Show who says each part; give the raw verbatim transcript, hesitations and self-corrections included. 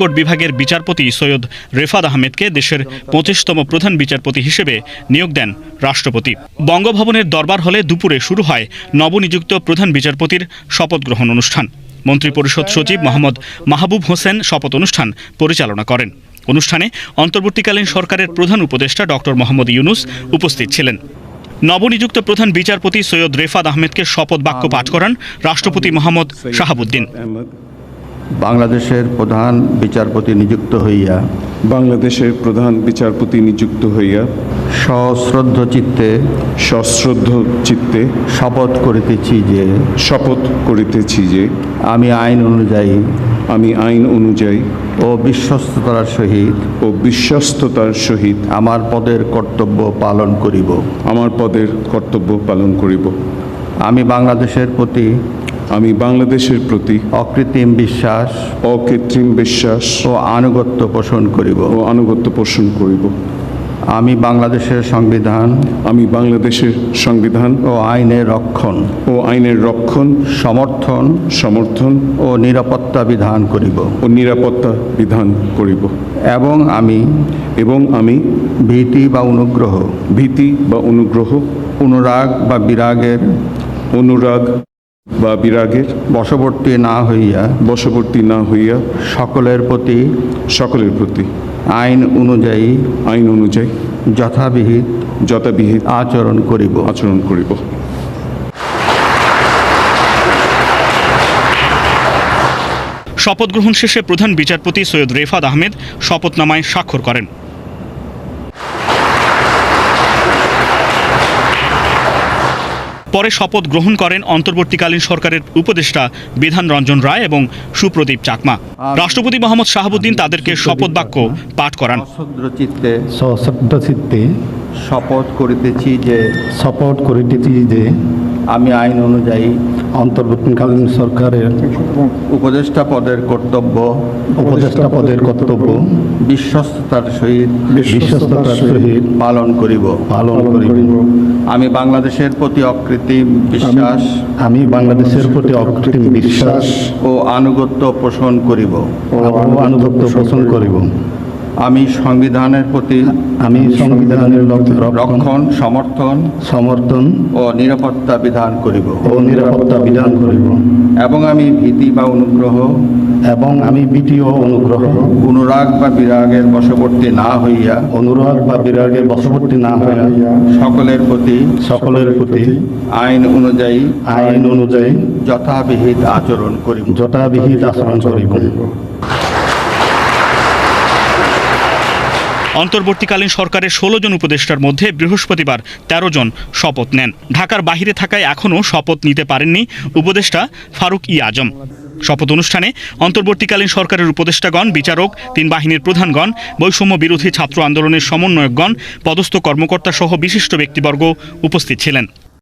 Speaker 1: High court বিভাগের বিচারপতি সৈয়দ রেফাত আহমেদকে দেশের পঁচিশতম প্রধান বিচারপতি হিসেবে নিয়োগ দেন রাষ্ট্রপতি। বঙ্গভবনের দরবার হলে দুপুরে শুরু হয় নবনিযুক্ত প্রধান বিচারপতির শপথ গ্রহণ অনুষ্ঠান। মন্ত্রিপরিষদ সচিব মোহাম্মদ মাহবুব হোসেন শপথ অনুষ্ঠান পরিচালনা করেন। অনুষ্ঠানে অন্তর্বর্তীকালীন সরকারের প্রধান উপদেষ্টা ডক্টর মোহাম্মদ ইউনুস উপস্থিত ছিলেন। নবনিযুক্ত প্রধান বিচারপতি সৈয়দ রেফাত আহমেদকে শপথ বাক্য পাঠ করান রাষ্ট্রপতি মোহাম্মদ শাহাবুদ্দিন।
Speaker 2: বাংলাদেশের প্রধান বিচারপতি নিযুক্ত হইয়া
Speaker 3: বাংলাদেশের প্রধান বিচারপতি নিযুক্ত হইয়া
Speaker 2: সশ্রদ্ধ চিত্তে
Speaker 3: সশ্রদ্ধ চিত্তে
Speaker 2: শপথ করিতেছি যে
Speaker 3: শপথ করিতেছি যে
Speaker 2: আমি আইন অনুযায়ী
Speaker 3: আমি আইন অনুযায়ী
Speaker 2: ও বিশ্বস্ততার সহিত
Speaker 3: ও বিশ্বস্ততার সহিত
Speaker 2: আমার পদের কর্তব্য পালন করিব
Speaker 3: আমার পদের কর্তব্য পালন করিব।
Speaker 2: আমি বাংলাদেশের প্রতি
Speaker 3: আমি বাংলাদেশের প্রতি
Speaker 2: অকৃত্রিম বিশ্বাস
Speaker 3: অকৃত্রিম বিশ্বাস
Speaker 2: ও আনুগত্য পোষণ করিব
Speaker 3: ও আনুগত্য পোষণ করিব।
Speaker 2: আমি বাংলাদেশের সংবিধান
Speaker 3: আমি বাংলাদেশের সংবিধান
Speaker 2: ও আইনের রক্ষণ
Speaker 3: ও আইনের রক্ষণ
Speaker 2: সমর্থন
Speaker 3: সমর্থন
Speaker 2: ও নিরাপত্তা বিধান করিব
Speaker 3: ও নিরাপত্তা বিধান করিব
Speaker 2: এবং আমি
Speaker 3: এবং আমি
Speaker 2: ভীতি বা অনুগ্রহ
Speaker 3: ভীতি বা অনুগ্রহ
Speaker 2: অনুরাগ বা বিরাগের
Speaker 3: অনুরাগ বা বিরাগের
Speaker 2: বশবর্তী না হইয়া
Speaker 3: বশবর্তী না হইয়া
Speaker 2: সকলের প্রতি
Speaker 3: সকলের প্রতি
Speaker 2: আইন অনুযায়ী
Speaker 3: আইন অনুযায়ী
Speaker 2: যথাবিহিত
Speaker 3: যথাবিহিত
Speaker 2: আচরণ করিব
Speaker 3: আচরণ করিব।
Speaker 1: শপথ গ্রহণ শেষে প্রধান বিচারপতি সৈয়দ রেফাত আহমেদ শপথনামায় স্বাক্ষর করেন। পরে শপথ গ্রহণ করেন অন্তর্বর্তীকালীন সরকারের উপদেষ্টা বিধান রঞ্জন রায় এবং সুপ্রদীপ চাকমা। রাষ্ট্রপতি মোহাম্মদ শাহাবুদ্দিন তাদেরকে শপথ বাক্য পাঠ করান।
Speaker 2: সশ্রদ্ধ চিত্তে
Speaker 4: সশ্রদ্ধ চিত্তে
Speaker 2: শপথ করিতেছি যে
Speaker 4: শপথ করিতেছি যে
Speaker 2: আমি আইন অনুযায়ী
Speaker 4: অন্তর্বর্তীকালীন সরকারের
Speaker 2: উপদেষ্টা পদের কর্তব্য
Speaker 4: উপদেষ্টা পদের কর্তব্য
Speaker 2: বিশ্বস্ততার সহিত
Speaker 4: বিশ্বস্ততার সহিত
Speaker 2: পালন করিব
Speaker 4: পালন করিব।
Speaker 2: আমি বাংলাদেশের প্রতি অকৃত্রিম বিশ্বাস
Speaker 4: আমি বাংলাদেশের প্রতি অকৃত্রিম বিশ্বাস
Speaker 2: ও আনুগত্য পোষণ করিব
Speaker 4: ও আনুগত্য পোষণ করিব।
Speaker 2: আমি সংবিধানের প্রতি
Speaker 4: আমি সংবিধানের রক্ষণ
Speaker 2: রক্ষণ সমর্থন
Speaker 4: সমর্থন
Speaker 2: ও নিরাপত্তা বিধান করিব
Speaker 4: ও নিরাপত্তা বিধান করিব
Speaker 2: এবং আমি ভীতি বা অনুগ্রহ
Speaker 4: এবং আমি ভীতি ও অনুগ্রহ
Speaker 2: অনুরাগ বা বিরাগের বশবর্তী না হইয়া
Speaker 4: অনুরাগ বা বিরাগের বশবর্তী না হইয়া
Speaker 2: সকলের প্রতি
Speaker 4: সকলের প্রতি
Speaker 2: আইন অনুযায়ী
Speaker 4: আইন অনুযায়ী
Speaker 2: যথাবিহিত আচরণ করিব
Speaker 4: যথাবিহিত আচরণ করিব।
Speaker 1: অন্তর্বর্তীকালীন সরকারের ষোলো জন উপদেষ্টার মধ্যে বৃহস্পতিবার তেরো জন শপথ নেন। ঢাকার বাহিরে থাকায় এখনও শপথ নিতে পারেননি উপদেষ্টা ফারুক ই আজম। শপথ অনুষ্ঠানে অন্তর্বর্তীকালীন সরকারের উপদেষ্টাগণ, বিচারক, তিন বাহিনীর প্রধানগণ, বৈষম্য বিরোধী ছাত্র আন্দোলনের সমন্বয়কগণ, পদস্থ কর্মকর্তা সহ বিশিষ্ট ব্যক্তিবর্গ উপস্থিত ছিলেন।